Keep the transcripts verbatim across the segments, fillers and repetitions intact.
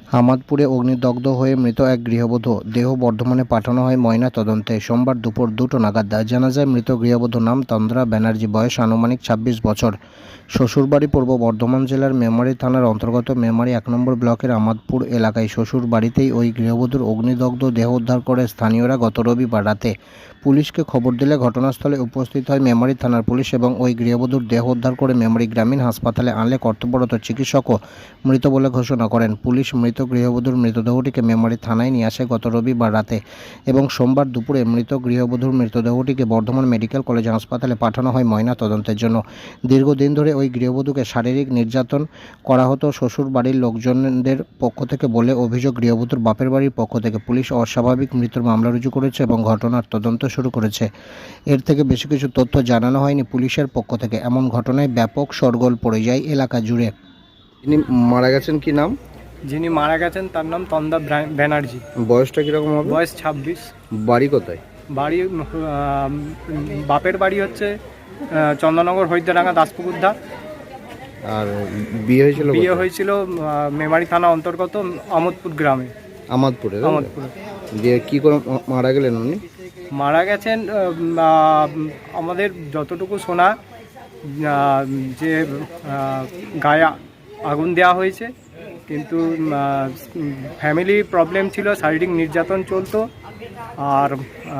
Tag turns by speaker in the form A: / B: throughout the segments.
A: হামাদপুরে অগ্নিদগ্ধ হয়ে মৃত এক গৃহবধূ, দেহ বর্ধমানে পাঠানো হয় ময়না তদন্তে। সোমবার দুপুর দুটো নাগাদ জানা যায় মৃত গৃহবধূর নাম তন্দ্রা ব্যানার্জি, বয়স আনুমানিক ছাব্বিশ বছর। শ্বশুরবাড়ি পূর্ব বর্ধমান জেলার মেমারি থানার অন্তর্গত মেমারি এক নম্বর ব্লকের আমাদপুর এলাকায়। শ্বশুর বাড়িতেই ওই গৃহবধূর অগ্নিদগ্ধ দেহ উদ্ধার করে স্থানীয়রা গত রবিবার রাতে। পুলিশকে খবর দিলে ঘটনাস্থলে উপস্থিত হয় মেমারি থানার পুলিশ এবং ওই গৃহবধূর দেহ উদ্ধার করে মেমারি গ্রামীণ হাসপাতালে আনলে কর্তব্যরত চিকিৎসকও মৃত বলে ঘোষণা করেন। পুলিশ মৃত গৃহবধূর মৃতদেহটিকে মেমারি থানায় নিয়ে আসে গত রবিবার রাতে এবং সোমবার দুপুরে মৃত গৃহবধূর মৃতদেহটিকে বর্ধমান মেডিকেল কলেজ হাসপাতালে পাঠানো হয় ময়না তদন্তের জন্য। দীর্ঘদিন ধরে ওই গৃহবধূকে শারীরিক নির্যাতন করা হতো শ্বশুর বাড়ির লোকজনদের পক্ষ থেকে বলে অভিযোগ গৃহবধূর বাপের বাড়ির পক্ষ থেকে। পুলিশ অস্বাভাবিক মৃত্যুর মামলা রুজু করেছে এবং ঘটনার তদন্ত শুরু করেছে। এর থেকে বেশি কিছু তথ্য জানানো হয়নি পুলিশের পক্ষ থেকে। এমন ঘটনায় ব্যাপক শোরগোল পড়ে যায় এলাকা জুড়ে।
B: যিনি মারা গেছেন কি নাম?
C: যিনি মারা গেছেন তার নাম তন্দ্রা ব্যানার্জি।
B: বয়সটা কিরকম হবে?
C: বয়স ছাব্বিশ।
B: বাড়ি কোথায়?
C: বাড়ি বাপের বাড়ি হচ্ছে চন্দননগর হরিদ্রাঙ্গা দাসপুকুরদা।
B: আর বিয়ে হয়েছিল?
C: বিয়ে হয়েছিল মেমারি থানা অন্তর্গত আমোদপুর গ্রামে।
B: আমাদপুরে?
C: আমোদপুরে।
B: দিয়ে কি করে মারা গেলেন উনি?
C: মারা গেছেন আমাদের যতটুকু শোনা যে গায়ে আগুন দেওয়া হয়েছে, কিন্তু ফ্যামিলি প্রবলেম ছিল, শারীরিক নির্যাতন চলতো আর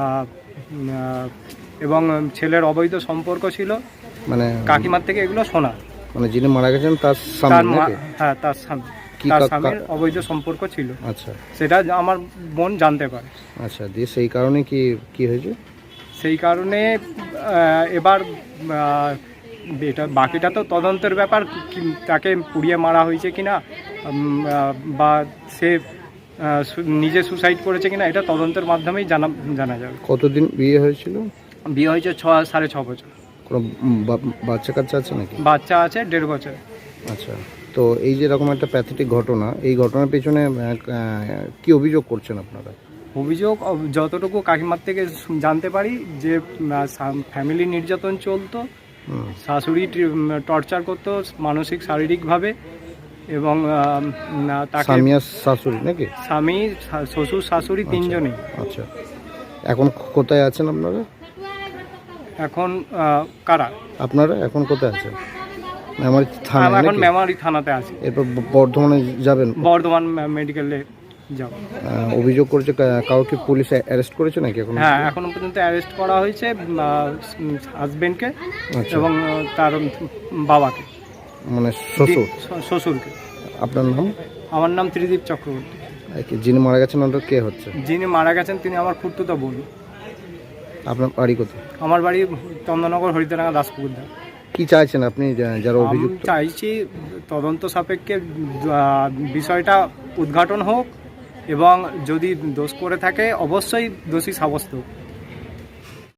C: এবং ছেলের অবৈধ সম্পর্ক ছিল, মানে কাকিমার থেকে এগুলো শোনা।
B: মানে যিনি মারা গেছেন তার স্বামী?
C: হ্যাঁ, তার স্বামী, তার স্বামীর অবৈধ সম্পর্ক ছিল।
B: আচ্ছা,
C: সেটা আমার বোন জানতে পারে।
B: আচ্ছা, দিয়ে সেই কারণে কি কি হয়েছে?
C: সেই কারণে এবার এটা বাকিটা তো তদন্তের ব্যাপার, তাকে পুড়িয়ে মারা হয়েছে কিনা বা সে নিজে সুসাইড করেছে কিনা এটা তদন্তের মাধ্যমেই জানা জানা যাবে।
B: কতদিন বিয়ে হয়েছিল?
C: বিয়ে হয়েছে ছ সাড়ে ছ বছর।
B: কোনো বাচ্চা কাচ্চা আছে নাকি?
C: বাচ্চা আছে দেড় বছর।
B: আচ্ছা, তো এই যে এরকম একটা প্যাথেটিক ঘটনা, এই ঘটনার পেছনে কি অভিযোগ করছেন আপনারা?
C: অভিযোগ যতটুকু কাকিমার থেকে জানতে পারি যে ফ্যামিলি নির্যাতন চলতো, শাশুড়ি টর্চার করতো মানসিক শারীরিকভাবে এবং তাকে
B: স্বামী আর শাশুড়ি নাকি?
C: স্বামী, শ্বশুর, শাশুড়ি তিনজনেই।
B: আচ্ছা, এখন কোথায় আছেন আপনারা?
C: এখন কারা?
B: আপনারা এখন কোথায় আছেন? মেমারি থানা?
C: এখন মেমারি থানাতে আছি।
B: এরপর বর্ধমানে যাবেন?
C: বর্ধমান মেডিকেলে যাব।
B: অভিযোগ করেছে কাউকে পুলিশ অ্যারেস্ট করেছে নাকি এখন?
C: হ্যাঁ, এখনো পর্যন্ত অ্যারেস্ট করা হয়েছে হাজবেন্ডকে এবং তার বাবাকে,
B: মানে শ্বশুর
C: শ্বশুরকে।
B: আপনার নাম?
C: আমার নাম ত্রিদীপ চক্রবর্তী।
B: যিনি মারা গেছেন ওনার কে হচ্ছে?
C: যিনি মারা গেছেন তিনি আমার খুড়তুতো বোন।
B: আপনার বাড়ি কোথায়?
C: আমার বাড়ি চন্দননগর হরিদ্রাঙ্গা দাসপুকুরদা।
B: কি চাইছেন আপনি যারা অভিযোগ?
C: চাইছি তদন্ত সাপেক্ষে বিষয়টা উদ্ঘাটন হোক এবং যদি দোষ করে থাকে অবশ্যই দোষী সাব্যস্ত হোক।